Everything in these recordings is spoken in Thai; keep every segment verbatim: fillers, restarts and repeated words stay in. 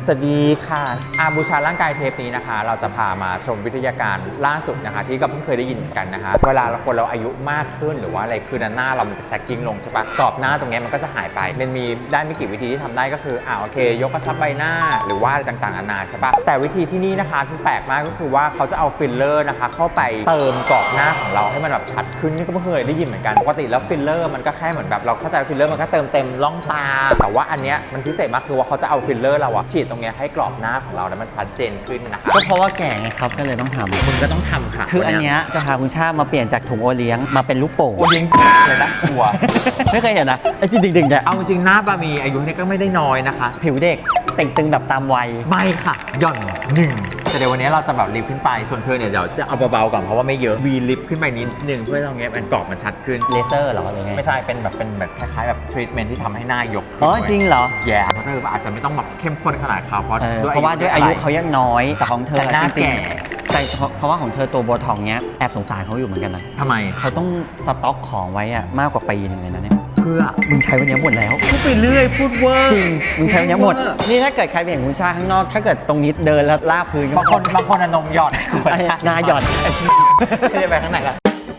สวัสดีค่ะอาบูชาร่างกายเทปนี้นะคะ เราจะพามาชมวิทยาการล่าสุดนะคะที่ก็เพิ่งเคยได้ยินกันนะคะเวลาเราคนเราอายุมากขึ้นหรือว่าอะไรคือหน้าเรามันจะแซกกิ้งลงใช่ปะกรอบหน้าตรงนี้มันก็จะหายไปมันมีได้ไม่กี่วิธีที่ทำได้ก็คืออ่าโอเคยกกระชับใบหน้าหรือว่าอะไรต่างๆนานาใช่ปะแต่วิธีที่นี่นะคะที่แปลกมากก็คือว่าเขาจะเอาฟิลเลอร์นะคะเข้าไปเติมกรอบหน้าของเราให้มันแบบชัดขึ้นนี่ก็เพิ่งเคยได้ยินเหมือนกันปกติแล้วฟิลเลอร์มันก็แค่เหมือนแบบเราเข้าใจฟิลเลอร์มันก็เติมเต็มร่องตาแต่ว่าอันเนี้ยมันพิเศษมากคือว่าเขาจะเอาฟิลเลอร์เราอะฉีดตรงเนี้ยให้กรอบหน้าของเราแล้วมันชัดเจนขึ้นนะคะก็เพราะว่าแก่ไงครับก็เลยต้องทำคุณก็ต้องทำค่ะคืออันเนี้ยจะพาคุณชาติมาเปลี่ยนจากถุงโอเลี้ยงมาเป็นลูกโป่งโอเลี้ยงเลยนะกลัวไม่เคยเห็นนะไอ้ที่ดึงๆเนี่ยเอาจริงหน้าบามีอายุเนี่ยก็ไม่ได้น้อยนะคะผิวเด็กเต่งตึงแบบตามวัยไม่ค่ะหย่อนหนึ่งแต่เดี๋ยววันนี้เราจะแบบลิฟต์ขึ้นไปส่วนเธอเนี่ยเดี๋ยวจะเอาเบาๆก่อนเพราะว่าไม่เยอะวีลิฟต์ขึ้นไปนิดนึงเพื่อตรงนี้มันกรอบมันชัดขึ้นเลเซอร์เหรอหรือไงไม่ใช่เป็นแบบเป็นแบบคล้ายๆแบบทรีทเมนต์ที่ทำให้หน้ายกอ๋อจริงเหรอแย่เพราะเธออาจจะไม่ต้องแบบเข้มข้นขนาดเขาเพราะเออเพราะว่าด้วยอายุเขายังน้อยแต่ของเธอแต่หน้าจริงแก่ๆแต่เพราะว่าของเธอตัวโบท็อกเนี้ยแอบสงสารเขาอยู่เหมือนกันนะทำไมเขาต้องสต็อกของไว้อะมากกว่าปีหนึงเลยนะเนี่ยเพื่อมึงใช้วันนี้หมดแล้วพูดไปเรื่อยพูดเวอร์จริงมึงใช้วันนี้หมดนี่ถ้าเกิดใครไปเห็นคุณชาติข้างนอกถ้าเกิดตรงนี้เดินแล้วลากพื้นบางคนบางคนอนมหย่อนหน้าหย่อนไม่ได้ไปข้างไหนล่ะ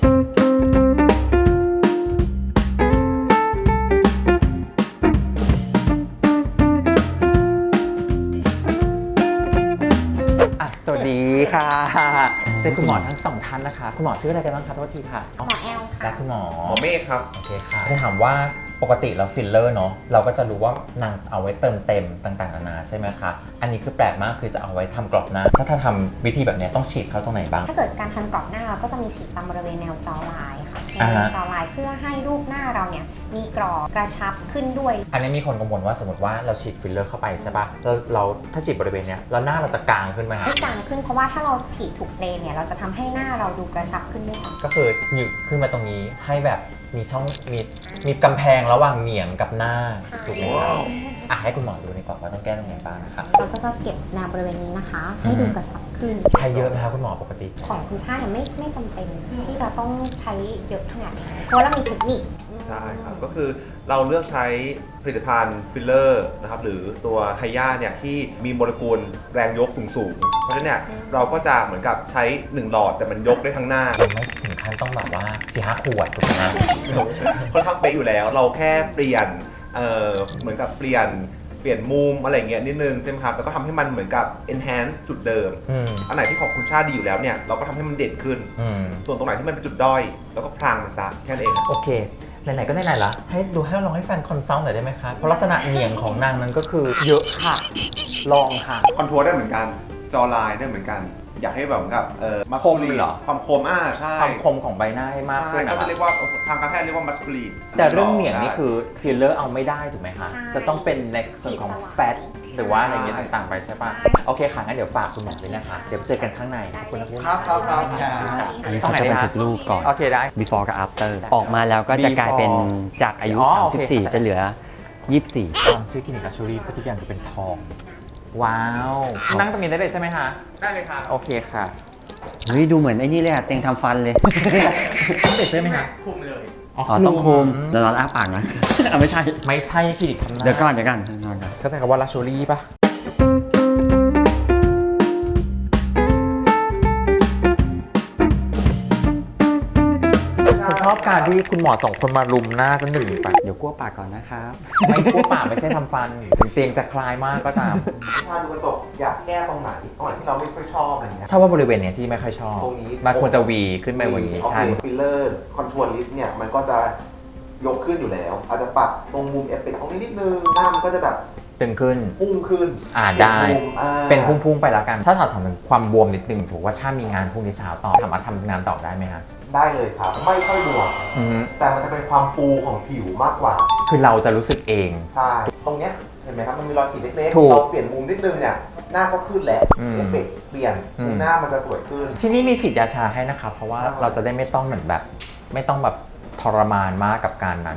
สวัสดีค่ะเจอคุณหมอทั้งสองท่านนะคะคุณหมอชื่ออะไรกันบ้างคะโทษทีค่ะหมอแอลค่ะและคุณหมอหมอเมฆครับโอเคค่ะจะถามว่าปกติแล้วฟิลเลอร์เนาะเราก็จะรู้ว่านางเอาไว้เติมเต็มต่างๆนานาใช่ไหมคะอันนี้คือแปลกมากคือจะเอาไว้ทำกรอบหน้าถ้าถ้าทำวิธีแบบนี้ต้องฉีดเข้าตรงไหนบ้างถ้าเกิดการทำกรอบหน้าเราก็จะมีฉีดตามบริเวณแนวจอลายค่ะอ่าแนฮะวจอลายเพื่อให้รูปหน้าเราเนี่ยมีกรอบกระชับขึ้นด้วยอันนี้มีคนกังวลว่าสมมติว่าเราฉีดฟิลเลอร์เข้าไปใช่ปะแล้วเราถ้าฉีดบริเวณเนี้ยแล้วหน้าเราจะกางขึ้นไหมคะให้จางขึ้นเพราะว่าถ้าเราฉีดถูกเลนเนี่ยเราจะทำให้หน้าเราดูกระชับขึ้นด้วยซ้ำก็คือหยึกขึ้นมาตรงนี้ให้แบบมีช่องมีมีกำแพงระหว่างเหนียงกับหน้าถูกไหมครับอ่ะให้คุณหมอดูดีกว่าว่าต้องแก้ตรงไหนบ้างนะคะเราก็จะเก็บแนวบริเวณนี้นะคะ ให้ดูกระชับขึ้นใช้เยอะไหมคะคุณหมอปกติของคุณชาติเนี่ยไม่ไม่จำเป็นที่จะต้องใช้เยอะขนาดนี้เพราะว่าเรามีเทคนิคใช่ครับ ก็คือเราเลือกใช้ผลิตภัณฑ์ฟิลเลอร์นะครับหรือตัวไฮยาเนี่ยที่มีโมเลกุลแรงยกสูงๆเพราะฉะนั้นเนี่ยเราก็จะเหมือนกับใช้หนึ่งหลอดแต่มันยกได้ทั้งหน้ายังไม่ถึงขั้นต้องแบบว่าสี่ห้าขวดถูกไหมฮะค่อนข้างเป๊ะอยู่แล้ว เราแค่เปลี่ยนเอ่อเหมือนกับเปลี่ยนเปลี่ยนมุมอะไรเงี้ยนิดนึงใช่ไหมครับแล้วก็ทำให้มันเหมือนกับ enhance จุดเดิมอืมอันไหนที่ของคุณชาติดีอยู่แล้วเนี่ยเราก็ทำให้มันเด่นขึ้นอืมส่วนตรงไหนที่มันเป็นจุดด้อยเราก็พรางมันซะแค่นั้นเองโอเคไหนๆก็ไหนๆละให้ดูให้ลองให้แฟนคอนซัลท์หน่อยได้ไหมคะเพราะลักษณะเหนียงของนางนั้นก็คือเยอะค่ะลองค่ะคอนทัวร์ได้เหมือนกันจอไลน์ได้เหมือนกัน อยากให้แบบกับเอ่อคมเหรอความคมอ่าใช่ความคมของใบหน้าให้มากขึ้ใช่นก็นะจะเรียกว่าทางการแพทย์เรียกว่ามัสคูลีนแต่เรื่องเหนียงนี่คือฟิลเลอร์เอาไม่ได้ถูกไหมคะใช่จะต้องเป็นในส่วนของแฟตหรือว่าอะไรเงี้ยต่างๆไปใช่ปะโอเคค่ะงั้นเดี๋ยวฝากคุณหมอด้วยนะคะเดี๋ยวไปเจอกันข้างในขอบคุณนะพี่ครับครับครับอันนี้เขาจะบันทึกรูปก่อนโอเคได้ before กับ after ออกมาแล้วก็จะกลายเป็น Before จากอายุอ๋อโอเคสามสิบสี่จะเหลือ ยี่สิบสี่ตอนชื่อคลินิกลักชัวรี่ทุกอย่างจะเป็นทอง ว้าว นั่งตรงนี้ได้เลยใช่ไหมคะได้เลยครับโอเคค่ะเฮ้ยดูเหมือนไอ้นี่เลยอะเต็งทำฟันเลยต้องเด็ดใช่ไหมคะคุมเลยอ๋ออ๋อต้องคุมเดี๋ยวเราอ้าปากนะ เอาไม่ใช่ไม่ใช่คลินิกทำหน้าเดี๋ยวก่อนเดี๋ยวก่อนเดี๋ยวก่อนเขาใช้คำว่าลักชัวรี่ป่ะ ฉันชอบการที่คุณหมอสองคนมารุมหน้าฉันหนึ่งปะเดี๋ยวกลัวปากก่อนนะครับไม่กลัวปากไม่ใช่ทำฟัน ถึงเตียงจะคลายมากก็ตามถ้าดูกระจกอยากแก้ตรงไหนตรงไหนที่เราไม่ค่อยชอบอะไรเงี้ยชอบว่าบริเวณเนี้ยที่ไม่ค่อยชอบตรงนี้มันควรจะวีขึ้นไปบนนี้โอใช่เคฟิลเลอร์คอนทัวร์ลิฟต์เนี่ยมันก็จะยกขึ้นอยู่แล้ว อาจจะปรับตรงมุมเอฟเฟกต์ตรงนี้นิดนึงหน้ามันก็จะแบบตึงขึ้นพุ่งขึ้นอ่าได้มุมอ่าเป็นพุ่งๆไปแล้วกัน ถ้าถอดถามถึงความบวมนิดนึงถือว่าชามีงานพรุ่งนี้เช้าต่อสามารถทำงานต่อได้ไหมฮะได้เลยครับ ไม่ค่อยบวมอือฮึแต่มันจะเป็นความฟูของผิวมากกว่าคือเราจะรู้สึกเองใช่ตรงเนี้ยเห็นไหมครับมันมีรอยขีดเล็กถูกๆเราเปลี่ยนมุมนิดนึงเนี่ยหน้าก็ขึ้นแหละอืมเอฟเฟกต์เปลี่ยนอืมหน้ามันจะสวยขึ้นที่นี่มีฉีดยาชาให้นะครับเพราะว่าเราจะได้ไม่ต้องเหมือนแบบ ไม่ต้องแบบทรมานมากกับการนั้น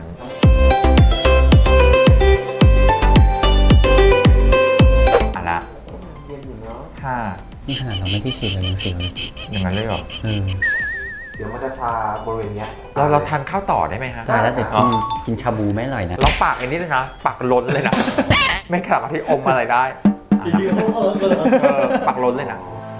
อ่ะละเย็นอยู่เนาะห้านี่ขนาดเราไม่ได้ฉีดเลยยังเสียวเลยอย่างนั้นเลยเหรอเออเดี๋ยวมันจะชาบริเวณเนี้ยเราเราทานข้าวต่อได้ไหมฮะตายแล้วเดี๋ยวอ๋อกินกินชาบูไม่อร่อยนะเราปากอันนี้เลยนะปากล้นเลยนะ ไม่สามารถที่อมอะไรได้จริงๆเออเออเออปักล้นเลยนะ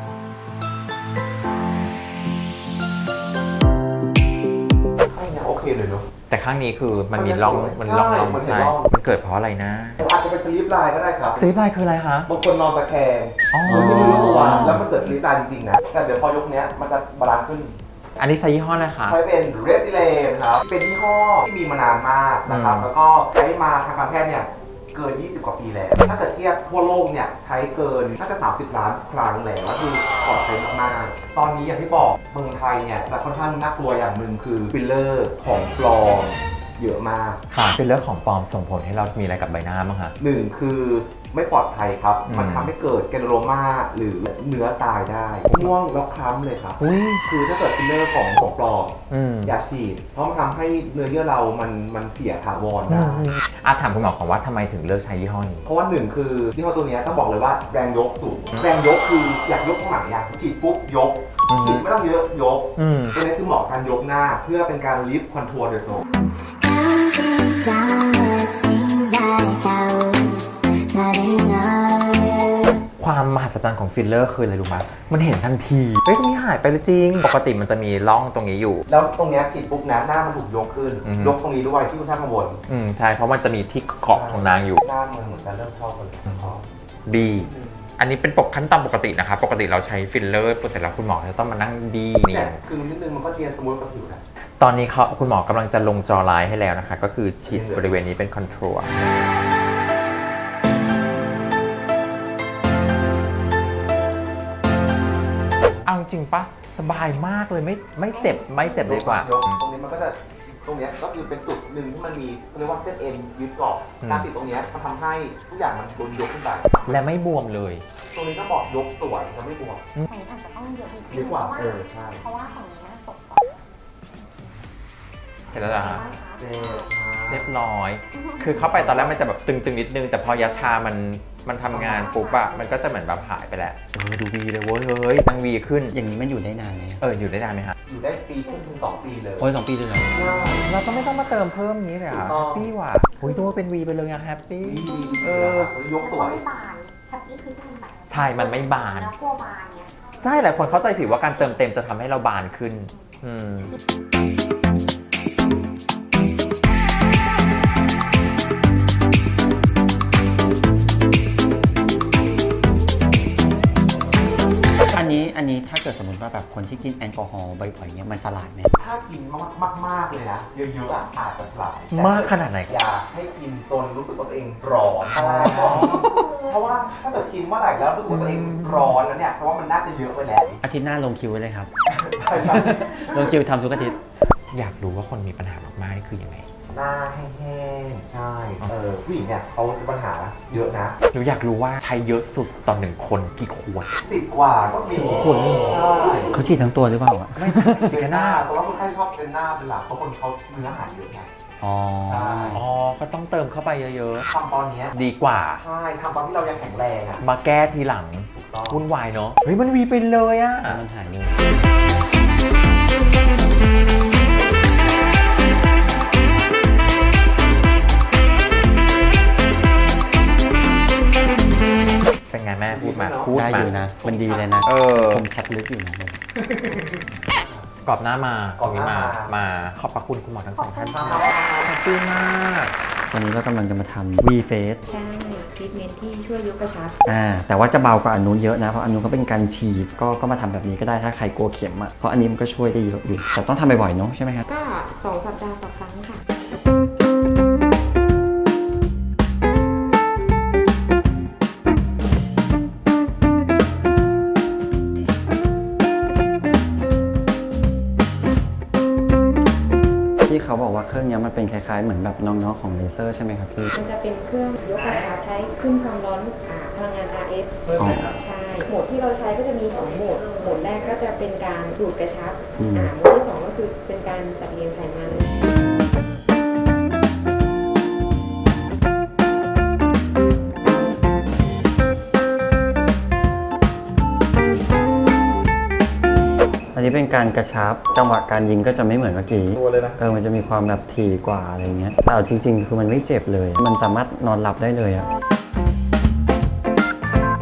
ข้างเนี้ยโอเคเลยเนาะแต่ข้างนี้คือมันมีร่องมันร่องร่องมันมีใช่ร่องมันเกิดเพราะอะไรนะอาจจะเป็นสลิปไลน์ก็ได้ครับสลิปไลน์คืออะไรคะบางคนนอนตะแคงอ๋อโดยที่ไม่รู้ตัวแล้วมันเกิดสลิปไลน์จริงๆนะแต่เดี๋ยวพอยกเนี้ยมันจะบาลานซ์ขึ้นอันนี้ใช้ยี่ห้ออะไรคะใช้เป็น Resilient ครับเป็นยี่ห้อที่มีมานานมากนะครับอืมแล้วก็ใช้มาทางการแพทย์เนี่ยเกิน ยี่สิบ กว่าปีแล้ว ถ้าเกิดเทียบทั่วโลกเนี่ยใช้เกินน่าจะ สามสิบ ล้านครั้งแล้วก็คือปลอดภัยมากๆ ตอนนี้อย่างที่บอกเมืองไทยเนี่ยจะค่อนข้างน่ากลัวอย่างหนึ่งคือฟิลเลอร์ของปลอมเยอะมากค่ะเป็นเรื่องของปลอมส่งผลให้เรามีอะไรกับใบหน้าบ้างคะหนึ่งคือไม่ปลอดภัยครับอืมมันทำให้เกิดแกนโรมาหรือเนื้อตายได้ม่วงแล้วคล้ำเลยครับอุ้ยคือถ้าเกิดฟิลเลอร์ของของปลอมอืมอย่าฉีด เพราะมันทำให้เนื้อเยื่อเรามันมันเสียถาวรอืได้มอ่ะถามคุณหมอก่อนว่าทำไมถึงเลือกใช้ยี่ห้อนี้เพราะว่าหนึ่งคือที่ห้อตัวเนี้ยต้องบอกเลยว่าแรงยกสูง แรงยกคืออยากยกตรงไหนอยากฉีดปุ๊บยกอืมฉีดไม่ต้องเยอะยกอืมตัวนี้คือเหมาะกับการยกหน้าเพื่อเป็นการลิฟต์คอนทัวร์โดยตรง Counting down what seems like hours, nothing else. ความมหัศจรรย์ของฟิลเลอร์คืออะไรรู้ไหมมันเห็นทันทีเฮ้ยตรงนี้หายไปเลยจริง ปกติมันจะมีร่องตรงนี้อยู่แล้วตรงเนี้ยฉีดปุ๊บนะหน้ามันถูกยกขึ้นอือฮึยกตรงนี้ด้วยที่คุณท่านกังวลอืมใช่เพราะมันจะมีที่เกาะของนางอยู่หน้ามันเหมือนจะเริ่มเข้ากันเลยพอดี อันนี้เป็นปกขั้นตอนปกตินะคะปกติเราใช้ฟิลเลอร์ปกติแล้วคุณหมอจะต้องมานั่งดีนี่เนี่ยคือนิดนึงมันก็เทียนสมูทกับผิวนะตอนนี้เขาคุณหมอกำลังจะลงจอไลน์ให้แล้วนะคะ ก็คือฉีดบริเวณนี้เป็นคอนโทรลเอาจริงปะสบายมากเลยไม่ไม่เจ็บไม่เจ็บดีกว่ายตรงนี้มันก็จะตรงเนี้ยก็คือเป็นจุดหนึ่งที่มันมีเขาเรียกว่าเส้นเอ็นยึดเกาะอืมการติดตรงเนี้ยมันทำให้ทุกอย่างมันโดนยกขึ้นไปและไม่บวมเลยตรงนี้ก็บอกยกสวยจะไม่บวมฝั่งนี้อาจจะต้องเยอะนิดดีนึงกว่าเพราะเออใช่เพราะว่าฝั่งนี้น่าตกก่อนเห็นแล้วนะฮะเจ๊เรียบร้อย คือเข้าไปตอนแรกมันจะแบบตึงๆนิดนึง แต่พอยาชามันมันทำงานปุ๊บอะมันก็จะเหมือนแบบหายไปแหละเออดูวีเลยเว้ยเฮ้ยนางวีขึ้นอย่างนี้มันอยู่ได้นานไหมเอออยู่ได้นานไหมฮะอยู่ได้ปีครึ่งถึงสองปีเลยโอ้ยสองปีเลยเหรอเราก็ไม่ต้องมาเติมเพิ่มนี้เลยอ่ะถูกต้องแฮปปี้ว่ะอุ้ยตัวเป็นวีไปเลยอะแฮปปี้ดีดีเอเอออยกสวยไม่บานแฮปปี้คือที่มันบานใช่มันไม่บานแล้วกลัวบานเนี่ยใช่หลายคนเข้าใจผิดว่าการเติมเต็มจะทำให้เราบานขึ้น อืมอันนี้อันนี้ถ้าเกิดสมมติว่าแบบคนที่กินแอลกอฮอล์บ่อยๆเนี้ยมันสลายไหมถ้ากินมากมากมากๆเลยนะ เยอะๆอ่ะอาจจะหลายแต่มากขนาดไหนอย่าให้กินจนรู้สึกว่าตัวเองร้อนเพราะว่าถ้าเกิดกินเมื่อไหร่แล้วรู้สึกว่าตัวเองร้อนแล้วเนี่ยเพราะว่ามันน่าจะเยอะไปแล้วอาทิตย์หน้าลงคิวไว้เลยครับ ลงคิวทำทุกอาทิตย์อยากรู้ว่าคนมีปัญหามากๆนี่คือยังไงหน้าแห้งๆ ใช่ เออผู้หญิงเนี่ยเขาจะปัญหาเยอะนะหนูอยากรู้ว่าใช้เยอะสุดต่อหนึ่งคนกี่ขวดสิบกว่าก็มีสิบกว่าคนเลยเหรอใช่เขาฉีดทั้งตัวหรือเปล่าอะไม่ใช่สิแค่หน้าแต่ว่าคนไข้ชอบเป็นหน้าเป็นหลักเพราะคนเขาเนื้อหาเยอะไงอ๋อใช่อ๋อ ก็ต้องเติมเข้าไปเยอะทำตอนเนี้ยๆ ดีกว่าใช่ทำตอนที่เรายังแข็งแรงอ่ะมาแก้ทีหลังถูกต้องวุ่นวายเนาะ เฮ้ย มันวีไปเลยอะมันหายเลยเป็นไงแม่พูดมาพูดได้มาอยู่นะ มันดีเลยนะเออคมชัดลึกอยู่นะกรอบหน้ามากรอบหน้าตรงนี้มามา ขอบพระคุณคุณหมอทั้งสองท่านขอบค่ะคุณครับแฮปปี้มากวันนี้เรากำลังจะมาทำ V Face ใช่ทรีทเมนต์ที่ช่วยยกกระชับอ่า แต่ว่าจะเบากว่าอันนู้นเยอะนะ เพราะอันนู้นก็เป็นการฉีด ก็ก็มาทำแบบนี้ก็ได้ถ้าใครกลัวเข็มอ่ะ เพราะอันนี้มันก็ช่วยได้เยอะอยู่ แต่ต้องทำบ่อยๆเนาะใช่ไหมครับก็สองสัปดาห์ต่อครั้งค่ะที่เขาบอกว่าเครื่องเนี้ยมันเป็นคล้ายๆเหมือนแบบน้องๆของเลเซอร์ใช่ไหมครับพี่มันจะเป็นเครื่องยกกระชับใช้ขึ้นความร้อนอ่าพลังงาน อาร์ เอฟอ๋อใช่ โหมดที่เราใช้ก็จะมีสองโหมด โหมดแรกก็จะเป็นการดูดกระชับอืมอ่าโหมดที่สองก็คือเป็นการจัดเรียงไขมันอันนี้เป็นการกระชับจังหวะการยิงก็จะไม่เหมือนเมื่อกี้ตัวเลยนะเออมันจะมีความแบบถี่กว่าอะไรเงี้ยแต่เอาจริง ๆ คือมันไม่เจ็บเลย มันสามารถนอนหลับได้เลยอะ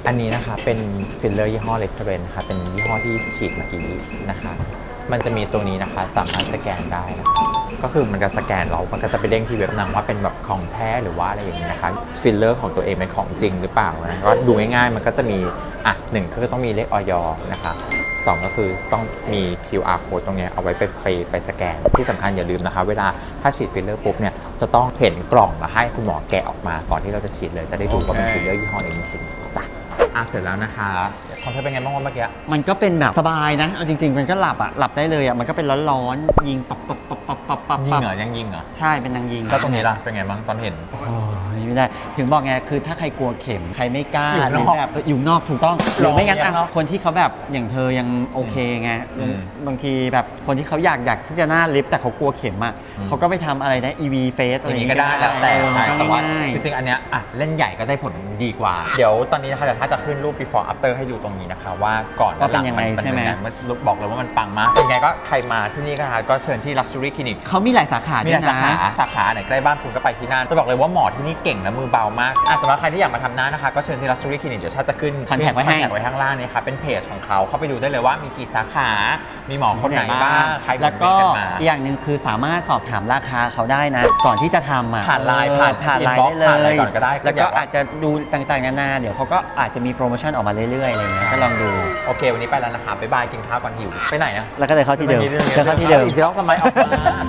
อันนี้นะคะเป็นฟิลเลอร์ยี่ห้อเลสเ r นค่ะเป็นยี่ห้อที่ฉีดเมื่อกี้นะคะมันจะมีตัวนี้นะคะสามารถสแกนได้นะคะก็คือมันจะสแกนเรามันก็จะไปเด้งที่เว็บนางว่าเป็นแบบของแท้หรือว่าอะไรอย่างนี้นะคะฟิลเลอร์ของตัวเองเป็นของจริงหรือเปล่านะก็ดูง่ายๆมันก็จะมีอ่ะหนึ่งก็คือต้องมีเลขออยนะคะสองก็คือต้องมี คิว อาร์ code ตรงเนี้ยเอาไว้ไปไปไปสแกนที่สำคัญอย่าลืมนะคะเวลาถ้าฉีดฟิลเลอร์ปุ๊บเนี่ยจะต้องเห็นกล่องแล้วให้คุณหมอแกะออกมาก่อนที่เราจะฉีดเลยจะได้ดูว่าเป็นฟิลเลอร์ยี่ห้อนี้จริงๆจ้ะอ่ะเสร็จแล้วนะคะของเธอเป็นไงบ้างวะเมื่อกี้มันก็เป็นแบบสบายนะเอาจริงๆมันก็หลับอ่ะหลับได้เลยอ่ะมันก็เป็นร้อนๆยิงปับปับปับปับปับปับยิงเหรอยังยิงเหรอใช่เป็นนางยิงแล้วตรงนี้ล่ะเป็นไงบ้างตอนเห็นโอ้ยไม่ได้ถึงบอกไงคือถ้าใครกลัวเข็มใครไม่กล้าอยู่หรืนออกแบบอยู่นอกถูกต้องหรือไม่งั้นอยู่นอกอ่ะคนที่เขาแบบอย่างเธอยังโอเคไงอืมบางทีแบบคนที่เขาอยากอยากที่จะหน้าลิฟต์แต่เขากลัวเข็มอ่ะอืมเขาก็ไปทำอะไรนะ อี วี face อะไรออย่างนี้งี้ก็ได้แล้วแต่เออใช่มันแต่ก็ว่าง่ายจริงๆอันเนี้ยอ่ะเล่นใหญ่ก็ได้ผลดีกว่า เดี๋ยวตอนนี้นะคะเดี๋ยวถ้าจะขึ้นรูป before after ให้ดูตรงนี้นะคะว่าก่อนและหลังว่าเป็นยังไงมันใช่ไหมเป็นยังไงมันบอกเลยว่ามันปังมากเป็นไงก็ใครมาที่นี่ก็ค่ะก็เชิญที่ luxury clinic เขามีหลายสาขามีด้หวลาย ยสานะขาสาขาไหนใกล้บ้านคุณก็ไปที่นั่นจะบอกเลยว่าหมอที่นี่เก่งและมือเบามากอ่ะสำหรับใครที่อยากมาทำหน้านะคะก็เชิญที่ luxury clinic เดี๋ยวชาติจะขึ้น contact ไว้ให้ contact ไว้ข้างล่างนี่ค่ะเป็นเพจของเขาเข้าไปดูได้เลยว่ามีกี่สาขามีหมอคนไหนบ้างใครแล้วก็เนกันมาอีกอย่างหนึ่งคือสามารถสอบถามราคาเขาได้นะ ก่อนที่จะทำอ่ะผ่านไลน์เออผ่านผ่านไลน์ inbox ได้เลยผ่านอะไรก่อนก็ได้แล้วก็อก็ยากว่าอาจจะดูต่างๆนานาเดี๋ยวเขาก็อาจจะมีโปรโมชั่นออกมาเรื่อยๆอะไรเงี้ยก็ลองดูโอเค วันนี้ไปแล้วนะคะบ๊ายบายกินข้าวก่อนหิว ไปไหนอะแล้วก็เลยเข้าที่เดิมไปแล้วเข้าที่เดิมอีกรอบทำไมออกมา